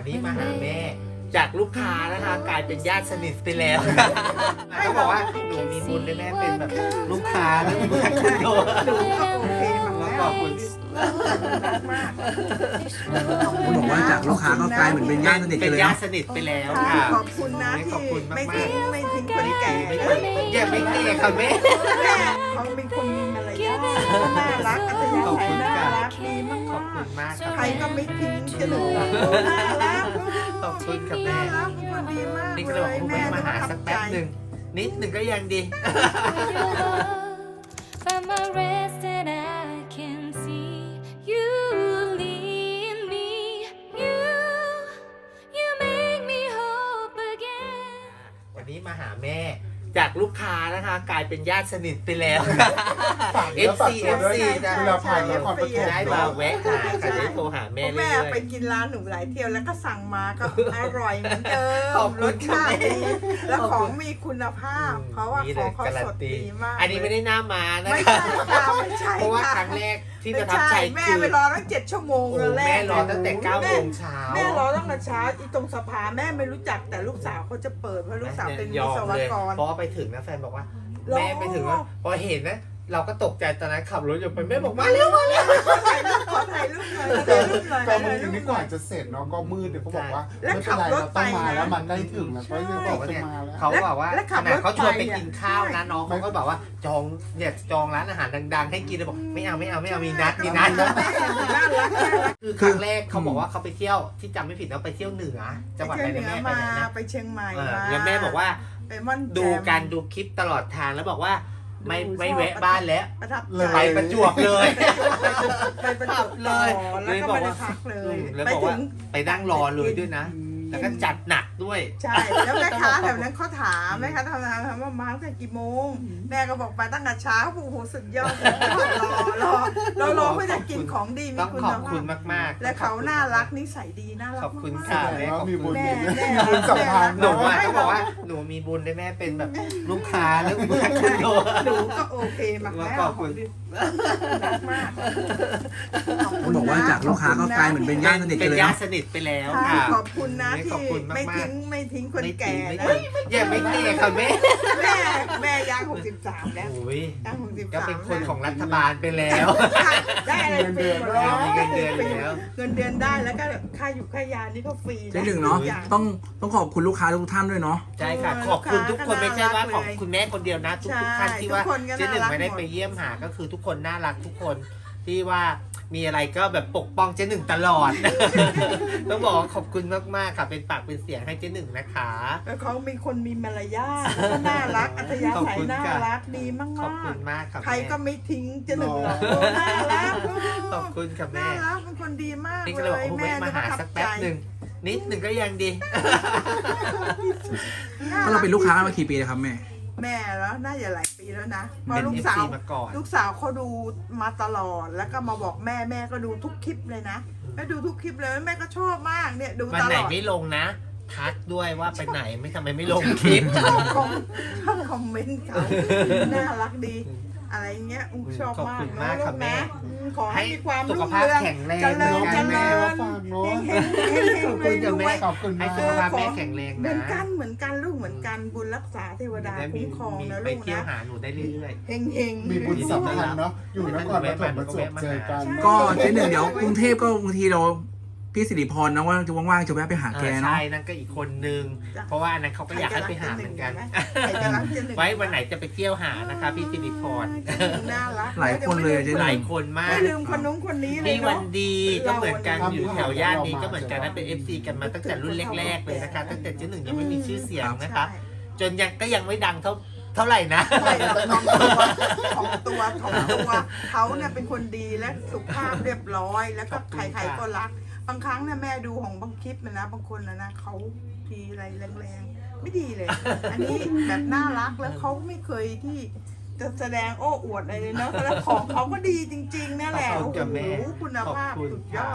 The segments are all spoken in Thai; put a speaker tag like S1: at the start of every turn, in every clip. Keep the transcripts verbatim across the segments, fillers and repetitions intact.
S1: นี้มาหาแม่จากลูกค้านะคะกลายเป็นญาติสนิทไปแล้วเขาบอกว่าหนูมีบุญได้แม่เป็นแบบลูกค้าแล้วเมื่อคุณโดน
S2: หนูก็โอเคมาก
S1: ขอบคุณ
S2: มาก
S3: คุณบอกว่าจากลูกค้าก็กลายเหมือนเป็นญาติสนิท
S1: เป็
S3: กัน
S1: น
S3: เลย
S1: ญา
S3: เนาะ
S1: ติสนิทไปแล้ว
S2: ค่ะ
S1: ค่ะ
S2: ขอบคุณนะ
S1: ขอบ
S2: ที่
S1: คุณมาก
S2: ไม่
S1: ๆ
S2: ทิ้งไม่ทิ้งคนแก่
S1: ไม่
S2: นะ
S1: เคยอย่าไม่เกลียดค่ะแม่
S2: แม่เขาเป็นคนมีมารยาทน่ารักอัธยาศัยน่ารักดีมาก
S1: ขอบคุณมากครับ
S2: ใครก็ไม่ทิ้งจะหนูน่ารัก
S1: ขอบคุณครับ
S2: น่า
S1: แม่
S2: รักเป็นคนดีมาก
S1: นี่ก็
S2: เล
S1: เลยบอก
S2: ย
S1: คุณ
S2: แม่
S1: แม่มาหาสักแป๊บหนึ่งนิดหนึ่งก็ยังดี
S4: Find my rest and I can see you lead me. You, you make me hope again.
S1: วันนี้มาหาแม่จากลูกค้านะคะกลายเป็นญาติสนิทไปแล้ว เอฟซี เอฟ ซี นะ
S5: เวลาผ่านนครปฐม
S1: ได้มาแวะหาค่ะได้โทรหา
S2: เพ
S1: แม่
S2: ราะ
S1: เรื่
S2: แม่
S1: อย
S2: ไปกินร้านหนูหลายเที่ยวแล้วก็สั่งมาก็อร่อยเหมือนเดิม
S1: ขอบคุณ
S2: รสชาติดี
S1: ค่ะ
S2: แล้วของมีคุณภาพ เพราะว่า
S1: นี่
S2: ข
S1: เล
S2: อง
S1: ย
S2: เขา
S1: การั
S2: ส
S1: น
S2: ด
S1: ตี
S2: ดีมาก
S1: อันนี้ไม่ได้หน้ามานะ
S2: ไม่
S1: คะ
S2: ใช่ค่ะไม่ใช่
S1: เพราะว่า
S2: ค่ะ
S1: ครั้งแรกที่ป
S2: ไม่
S1: ระทับ
S2: ใช่
S1: ใจ
S2: แม่
S1: คือ
S2: ไปรอตั้งเจ็ดชั่วโมง
S1: โอ้
S2: เลยแร
S1: แม่
S2: ก
S1: รอตั้งแต่เก้าโมงเช้า
S2: แม่รอตั้งแต่เช้าอีตรงสภาแม่ไม่รู้จักแต่ลูกสาวเขาจะเปิดเพราะลูกสาวเป็น
S1: ย
S2: วิ
S1: อ
S2: ศ
S1: ม
S2: ว
S1: เลย
S2: กร
S1: เพราะว่าไปถึงนะแฟนบอกว่า
S2: รอ
S1: แม่ไปถึงว่าพอเห็นนะเราก็ตกใจตอนนั้นขับรถอยู่ไปแม่บอกมาเร็ว
S2: ขอถ่ายรูปขอถ่ายรูปหน่อยขอถ่ายรูปหน่อย
S5: แต่
S2: ถ่าย
S5: บางที
S2: รูป
S5: นี่
S2: ห
S5: ก่
S2: น่
S5: อ
S2: อน ย
S5: จะเสร็จเนาะก็มืดเดี๋ยวเขาบอกว่า
S2: แล้ว
S5: ไม่
S2: ขั
S5: เป็น
S2: บ
S5: ไร
S2: รถ
S5: เราต้องมา
S2: ไปนะ
S5: แล้วมันได้ถึงแล้วก็ยังบอก
S1: เนี่ย
S5: จะมาแล้ว
S1: เขาบอกว่า
S2: แล้วขั
S1: ข
S2: บ
S1: นาดเขาชวนไป
S2: รถไป
S1: กินข้าวนะ
S2: อ่ะ
S1: น้องเขาก็บอกว่าจองเนี่ยจองร้านอาหารดังๆ ให้กินเลยบอกไม่เอาไม่เอาไม่เอามีนัดมีนัด
S2: น่ารักน่ารัก
S1: คือครั้งแรกเขาบอกว่าเขาไปเที่ยวที่จำไม่ผิดเราไปเที่ยวเหนือจังหวัด
S2: ไป
S1: อะไร
S2: เชียง
S1: นะ
S2: เหนื
S1: แม่
S2: อ
S1: ไป
S2: มา
S1: ไหนนะ
S2: ไปเชียงใหม่
S1: เออ
S2: มา
S1: แล้วแม่บอกว่า
S2: ไปม่อนแจ่ม
S1: ดูการดูคลิปตลอดทางแล้วบอกว่าไม่ไม่แวะบ้านแล้ว
S2: ประทับ
S5: เล
S2: ใจ
S5: ย
S1: ไปประจวบเลย
S2: ไปประจวบ
S1: เล
S2: เลย ยแล้วก็ไม่ได้พักเลย
S1: แล้ว
S2: ไป
S1: บอก
S2: ถึ
S1: ว่าง ไปนั่งรอเลยด้วยนะ แล้วก็จัดหนักด้วย
S2: ใช่แล้วแม่ค้าแถวนั้นเขาถามแม่ค้าทำงานถามว่ามาตั้งแต่กี่โมง แม่ก็บอกไปตั้งแต่เช้าโอ้โหสุดยอดรอรอเรารอเพื่อจะกินของดีมี
S1: ต้อง
S2: คุณ
S1: ขอบ
S2: ภา
S1: คุณ
S2: พ
S1: มากๆ
S2: และเขาน่ารักนิสัยดีน่ารัก
S1: ขอบคุณ
S2: มากๆ
S1: ค่ะ
S5: แสดงว่ามีบุญ
S2: แม่แม่
S5: มีบุญสัมพันธ์
S1: หนู
S5: เนาะ
S1: อ่ะเขาบอกว่าหนูมีบุญได้แม่เป็นแบบลูกค้าแล้วเมื่อคุณโดน
S2: หนูก็โอเคมากแล้ว
S1: ขอบคุณ
S2: รักมาก
S3: คุณบอกว่าจากลูกค้าก็กลายเหมือนเป็นญาติสนิท
S1: เป็
S3: กัน
S1: น
S3: เลย
S1: ญา
S3: เนาะ
S1: ติสนิทไปแล้ว
S2: ค่ะ
S1: ค่ะ
S2: ขอบคุณนะที่
S1: ขอบคุณมากๆ
S2: ไม่ทิ้งไม่ทิ้งคนแก่
S1: ไม่
S2: นะ
S1: ทิ้งอย่าไม่เกลียดค่ะแม่
S2: แม่แม่ย่างหกสิบสามแล้ว
S1: โอ้ย
S2: ย่างหกสิบ
S1: ก็
S2: สาม
S1: เป็นคนของรัฐบาลไปแล้ว
S2: ได้อะไรฟรีหมดแล้ว
S1: มีเงินเดือนแล้ว
S2: เงินเดือนได้แล้วก็ค่าอยู่ค่ายานี่ก็ฟรี
S3: เจ๊หนึ่งเนาะ
S2: ทุกอย่
S3: ต้องต้องขอบคุณลูกค้าทุกท่านด้วยเนาะ
S1: ใช่ค่ะ
S2: เออ
S1: ขอบคุณทุกคน
S2: ลูกค้า
S1: ไม่ใช่ว่า
S2: ก็
S1: ข
S2: น่า
S1: อบ
S2: รักเลย
S1: คุณแม่คนเดียวนะ ทุก
S2: ใช่
S1: ทุกท่านที่ว่า
S2: ทุกคนก็
S1: เจ๊หนึ่ง
S2: น่ารัก
S1: ไม่ได้
S2: หมด
S1: ไปเยี่ยมหาก็คือทุกคนน่ารักทุกคนที่ว่ามีอะไรก็แบบปกป้องเจ๊หนึ่งตลอด ต้องบอกว่าขอบคุณมากๆค่ะเป็นปากเป็นเสียงให้เจ๊หนึ่งนะคะ
S2: แล้วเขามีคนมีมารยาทแล้วก็น่ารักอัธยา
S1: ขอบ
S2: ศัย
S1: คุณ
S2: น่า
S1: ค่ะ
S2: รักดีมาก
S1: ขอบคุ
S2: มาก
S1: ณมากค่ะ
S2: ใคร
S1: แม่
S2: ก็ไม่ทิ้งจะหนึ่งหรอก
S1: เนอะ
S2: น่ารัก
S1: ขอบคุณค่ะ
S2: น่า
S1: แม่
S2: รักเป็นคนดีมาก
S1: นี่ก็
S2: เล
S1: เลยบอก
S2: ย
S1: ว่า
S2: แม่
S1: แม่มาหาสักแป๊บหนึ่งนิดหนึ่งก็ยังดี
S3: ก็เราเป็นลูกค้ามากี่ปีแล้วครับแม่
S2: แม่แล้วน่าจะหลายปีแล้วนะเพราะ
S1: เป็น
S2: ลู
S1: เอก ฟ
S2: สาว
S1: ซีมาก่อน
S2: ลูกสาวเขาดูมาตลอดแล้วก็มาบอกแม่แม่ก็ดูทุกคลิปเลยนะแม่ดูทุกคลิปเลยแม่ก็ชอบมากเนี่ยดู
S1: วัน
S2: ต
S1: ไหน
S2: ลอด
S1: ไม่ลงนะ ทักด้วยว่าไปไหนไม่ทำไมไม่ลงคลิป
S2: ชอบคอมชอบคอมเมนต์เขาน่ารักดี อะไรเงี้ยอุ้งชอบ
S1: ขอบ
S2: มาก
S1: คุณ
S2: เน
S1: มาก
S2: อะลู
S1: ค่ะ
S2: ก
S1: แม่
S2: นะอืมขอให้มีความ
S1: สุข
S2: รุ่ง
S1: ภาพ
S2: เรือง
S1: แข็งแรง
S2: เจริญ
S1: นะ
S2: เจ
S1: แม่
S2: ริญ
S5: ฝากเนอะ
S2: เฮงเฮงเฮง
S1: ขอบ
S2: เฮ
S1: คุณ
S2: ง
S1: จ้ะ
S2: ร
S1: แม่
S2: วย
S5: ขอบคุณ
S1: ให้
S5: มาก
S1: สุขภาพแม่แข็งแรง
S2: เหมื
S1: นะ
S2: อนกันเหมือนกันลูกเหมือนกันบุญรักษาเทวดา
S1: ได้
S2: คุ้มครองนะ
S1: ไป
S2: ลูก
S1: เที่ยว
S2: นะ
S1: หาหนูได้เรื่อย
S2: เฮงเฮง
S5: มีบุญสัมพันธ์เนาะอยู่นครปฐมประจวบเจอกัน
S3: ก็เจ๊หนึ่งเดี๋ยวกรุงเทพก็บางทีเราพี่สิริพรนะว่าจะว่างๆจะแวะไปหา
S1: ๆ
S3: แก
S1: เออ
S3: เนาะ
S1: ใช่นั่นก็อีกคนนึง เพราะว่าอันนั้นเขาก็อยากให้ไปหาเหมือนกัน
S2: ใครจะรักเจหนึ่ง
S1: ไว้วันไหนจะไปเที่ยวหานะคะพี่สิริพร
S2: น่ารัก
S3: หลายคนเลยเจ๊
S1: หลายคนมาก
S2: ไม่ลืมคนนู้นคนนี้เลย
S1: พี่วั
S2: เนาะ
S1: นดีก็เหมือนกัน
S5: เรา
S1: อยู่แถวย่านนี้
S5: เรามา
S1: ก็เหมือนกันนะเป็น เอฟ ซี กันมาตั้งแต่รุ่นแรก ๆ เลยนะคะ ตั้งแต่เจ๊หนึ่งยังไม่มีชื่อเสียงนะคะ จนยังก็ยังไม่ดังเท่าเท่าไหร่นะ
S2: ใช่ของตัวของตัวของตัวเขาเนี่ยเป็นคนดีและสุภาพเรียบร้อย แล้วก็
S1: ขอบคุ
S2: ใ
S1: ณ
S2: คร
S1: ค่ะ
S2: ๆก็รัก บางครั้งเนี่ยแม่ดูของบางคลิปนะนะบางคนนะนะเขาทีอะไรแรงๆไม่ดีเลย อันนี้แบบน่ารักแล้วเขาไม่เคยที่จะแสดงโอ้อวดอะไรเลยเนาะแล้วของเขาก็ดีจริงๆนั่นแหละ
S1: ขอบ
S2: โอ้
S1: คุณ
S2: โห
S1: จ้ะแม่
S2: คุณภาพ
S1: ขอบคุณ
S2: สุดยอด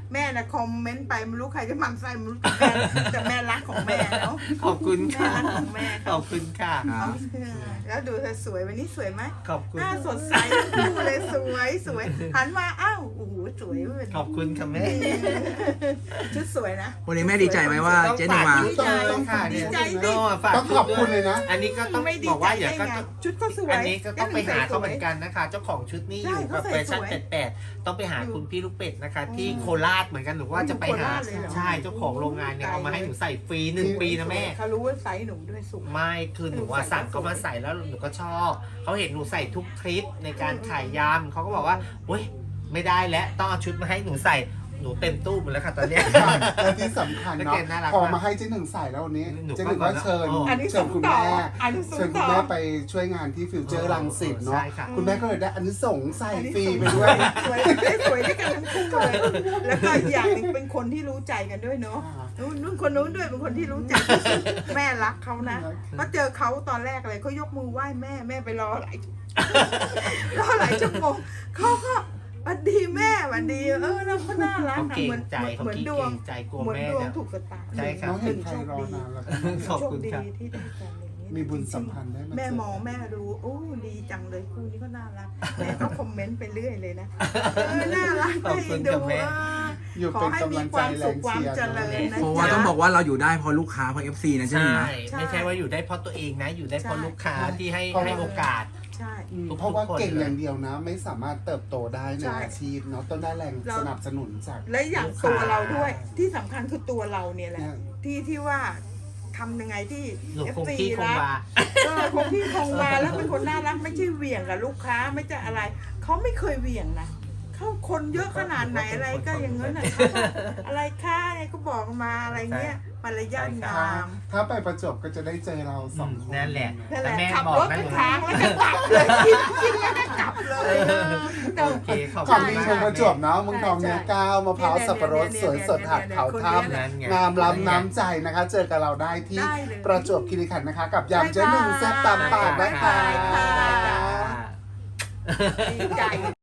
S2: แม่นะคอมเมนต์ไปไม่รู้ใครจะหมั่นไส้ไม่รู้แต่แม่แต่แม่รักของแม่เนาะ
S1: ขอบคุณ
S2: แม่
S1: ค่ะ
S2: รักของแม่
S1: ขอบคุณค่ะ
S3: ครับ
S2: แล้วดูเธอสวยวันนี้สวยไหม
S1: ขอบคุณ
S2: หน้าสดใสทั้งคู่เลยสวยสวยหันมาอ้าวโอ้โหสวยเว้ย
S1: ขอบคุณค่ะแม่
S2: ชุดสวยนะ
S3: วันนี้แม่ดีใจไหมว่าเจ๊หนึ่งมา
S1: ดีใจค่ะ
S2: ดี
S1: เนี่ย
S2: ใจดิ
S1: โน่ฝาก
S5: ต้องขอบคุณเลยนะ
S1: อันนี้ก็ต้อง
S2: ไม่ดี
S1: บอก
S2: ใจ
S1: ว่าอย่า
S2: ได้
S1: ก็
S2: ไง
S1: ต้อง
S2: ชุดก็สวย
S1: อันนี้ก็ต้องไปหาเขาเหมือน
S2: น
S1: กันนะคะ เจ้าของชุดนี้อ
S2: ใช่
S1: ยู่กับ
S2: เขา
S1: แฟ
S2: ใส่
S1: ชั่น
S2: สวย
S1: แปดๆต้องไปหา
S2: อยู่
S1: คุณพี่ลูกเป็ดนะคะ ที่
S2: อืม
S1: โคราชเหมือนกันหรือว่าจะไปหา
S2: โคราชเลยเหรอ
S1: ใช่เจ้าของโรงงานเนี่ยเอามาให้หนูใส่ฟรีหนึ่งปีนะแม่
S2: เขารู้ว่าไซส์หนูด้วยสูง
S1: ไม่คือหนูว่า
S2: หนูใส่
S1: สั่งเขา
S2: แล้วสวย
S1: มาใส่แล้วหนูก็ชอบเขาเห็นหนูใส่ทุกคลิปในการขายยำเขาก็บอกว่าเว้ยไม่ได้แล้วต้องเอาชุดมาให้หนูใส่หนูเต็มตู้หมดแล้วค่ะตอนเนี้ย
S5: และที่สำคัญ
S1: แล้ว
S5: เนาะ
S1: แกน่ารัก
S5: พอ
S1: มาก
S5: มาให้เจ๊หนึ่งใส่แล้ววันนี้
S1: หนู
S5: เจ๊หนึ่งก็เชิญ
S1: อ๋อ
S2: อันนี้
S5: เชิญคุณ
S2: ส่งต่อ
S5: แม่
S2: อันนี้ส่ง
S5: เชิญคุณ
S2: ต่อ
S5: แม่ไปช่วยงานที่ฟิวเจอร์รังสิตเนาะ
S1: ใช่ค่ะ
S5: คุณแม่ก็เลยได้อันนี้ส่งส์ใส่ฟรีไปด้วย
S2: สวยได้สวยด้วยกันทั้งคู่เลยแล้วก็อีกอย่างหนึ่งเป็นคนที่รู้ใจกันด้วยเนาะนู่นนู่นคนนู้นด้วยเป็นคนที่รู้ใจที่สุดแม่รักเขานะก็เจอเขาตอนแรกเลยเขายกมือไหว้แม่แม่ไปรอหลาย รอหลายชั่วโมงเขาก็หวันดีแม่หวันดีเออแล้วเขาน่ารัก
S1: เขา
S2: อะ
S1: เก่
S2: เหมื
S1: ง
S2: อน
S1: ใจเขา
S2: เหมือน
S1: ขี้
S2: ด
S1: เก
S2: ว
S1: รง งใจกลัว
S2: เหมือน
S1: แม่
S2: ดวง
S1: เนี่ย
S2: ถูกชะตา
S1: ใช่ครับ
S5: น้องเห็นใครรอนานแล้วก็
S1: ขอบคุณ
S2: โช
S1: ครับ
S2: ดีที่ได้กันอย่างนี้
S5: มีบุญสัมพันธ์ได้มาเจอ
S2: แม่มองแม่ดูโอ้ดีจังเลยคู่นี้ก็น่ารักแม่ก็คอมเมนต์ไปเรื่อยเลยนะเออน่ารัก
S1: ขอบคุณ
S2: ดู
S1: ครับแม่
S2: เออ
S5: อยู่
S2: ขอ
S5: เป็น
S2: ให้
S5: กำ
S2: มี
S5: ลัง
S2: ค
S5: ใจ
S2: วาม
S5: แร
S2: สุข
S5: ง
S2: ความ
S5: เชียร์
S2: เจริญนะ
S3: เพราะว่าต้องบอกว่าเราอยู่ได้เพราะลูกค้าเพราะ เอฟ ซี นะเจ๊หนึ่ง
S1: ใช่
S3: นะ
S1: ไม่ใช่ว่าอยู่ได้เพราะตัวเองนะ อยู่ได้เพราะลูกค้าที่ให้ให้โอกาส
S2: ใช่
S5: อืม
S1: ทุก
S5: เพราะว่า
S1: คน
S5: เก่ง
S1: เลย
S5: อย่างเดียวนะ ไม่สามารถเติบโตได้ใน
S2: ใช่
S5: อาชีพเนาะต้องได้แรง
S2: เรา
S5: สนับสนุนจาก
S2: และอย่าง
S1: ลูกค้า
S2: ตัวเราด้วยที่สำคัญคือตัวเราเนี่ยแหละ
S5: เนี่ย
S2: ที่ที่ว่าทำยังไงที่
S1: หนู
S2: เอฟ
S1: คง
S2: ซี
S1: ที่คง
S2: รัก
S1: วา
S2: เออคงที่คงวาแล้วเป็นคนน่ารักไม่ใช่เหวี่ยงกับลูกค้าไม่ใช่อะไรเขาไม่เคยเหวี่ยงนะเขาคนเยอะขนาดไหนอะไรก็อย่างนั้นน่ะเขาก็อะไรค่าไงก็บอกมาอะไรเงี้ยมารยาทงา
S5: ถ้าม ถ้าไปประจวบก็จะได้เจอเราสองคน
S1: นั่นแหละ
S2: นั่นแห
S1: แต่
S2: ละ
S1: แม่
S2: ขับ
S1: บอก
S2: รถ
S1: นะ
S2: ไป
S1: หนู
S2: ทางแล้วก็กลับเลยกินกินแล้วก็กลับเลยเออ
S1: โอเคขอบ
S5: ขอ
S1: คุ
S5: ง
S1: ณ
S5: ดี
S1: มาก
S5: เมืองประจวบเนาะเมืองทองเนื้อก้าวมะพร้าวสับปะรดสวยสดหักเขาถ้
S1: นั่นไง
S5: ำงามล้ำน้ำใจนะคะ เจอกับเราได้ที่
S2: ได้เลย
S5: ประจวบคีรีขันธ์นะคะ กับยำเจ๊หนึ่งแซ่บตามปากนะคะ
S2: บ๊ายบายค่ะ
S1: ได้จ้า
S2: ดีใจ